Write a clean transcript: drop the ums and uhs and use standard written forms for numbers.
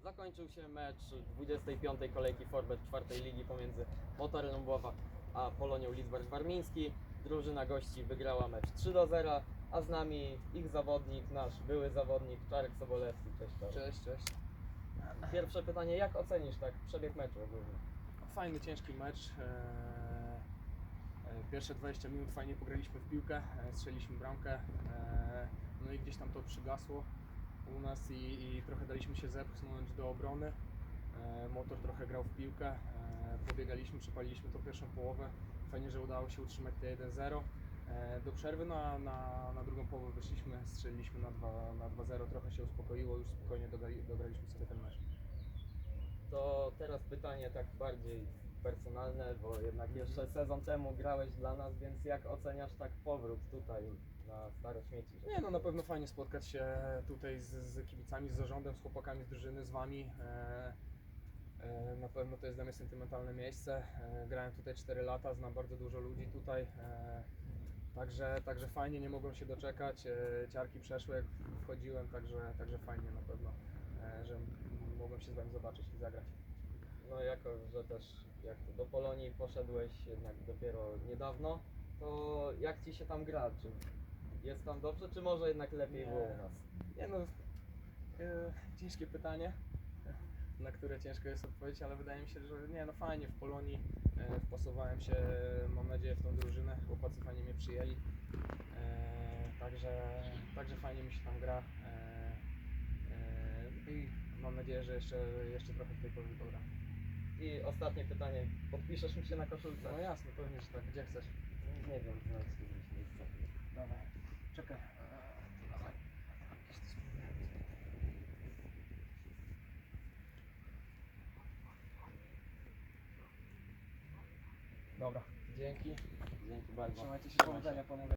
Zakończył się mecz 25. kolejki Forbet 4. ligi pomiędzy Motorem Ląbowa a Polonią Lidzbark-Warmiński. Drużyna gości wygrała mecz 3-0, a z nami ich zawodnik, nasz były zawodnik Czarek Sobolewski. Cześć Czarek. Cześć. Pierwsze pytanie, jak ocenisz tak przebieg meczu ogólnie? Fajny, ciężki mecz. Pierwsze 20 minut fajnie pograliśmy w piłkę, strzeliliśmy bramkę, no i gdzieś tam to przygasło u nas i trochę daliśmy się zepchnąć do obrony. Motor trochę grał w piłkę, pobiegaliśmy, przepaliliśmy tą pierwszą połowę. Fajnie, że udało się utrzymać te 1-0. Do przerwy na drugą połowę wyszliśmy, strzeliliśmy na 2-0, trochę się uspokoiło, już spokojnie dograliśmy sobie ten mecz. To teraz pytanie tak bardziej personalne, bo jednak jeszcze sezon temu grałeś dla nas, więc jak oceniasz tak powrót tutaj na Stare Śmieci? Nie, no na pewno fajnie spotkać się tutaj z kibicami, z zarządem, z chłopakami z drużyny, z Wami. Na pewno to jest dla mnie sentymentalne miejsce. Grałem tutaj 4 lata, znam bardzo dużo ludzi tutaj. Także fajnie, nie mogłem się doczekać. Ciarki przeszły jak wchodziłem, także fajnie na pewno, że mogłem się z Wami zobaczyć i zagrać. No jako, że też jak to do Polonii poszedłeś jednak dopiero niedawno, to jak Ci się tam gra? Czy jest tam dobrze, czy może jednak lepiej Nie. było u nas? Nie no, ciężkie pytanie, na które ciężko jest odpowiedzieć, ale wydaje mi się, że nie, no fajnie w Polonii, wpasowałem się, mam nadzieję, w tą drużynę, chłopacy fajnie mnie przyjęli, także fajnie mi się tam gra i mam nadzieję, że jeszcze trochę w tej Polonii pogram. I ostatnie pytanie, podpiszesz mi się na koszulce? No jasne, pewnie, że tak, gdzie chcesz? Nie wiem, znajdź gdzieś miejsce. Dawaj, czekaj. Dawaj. Dobra, dzięki. Dzięki bardzo. Trzymajcie się, powodzenia, panowie.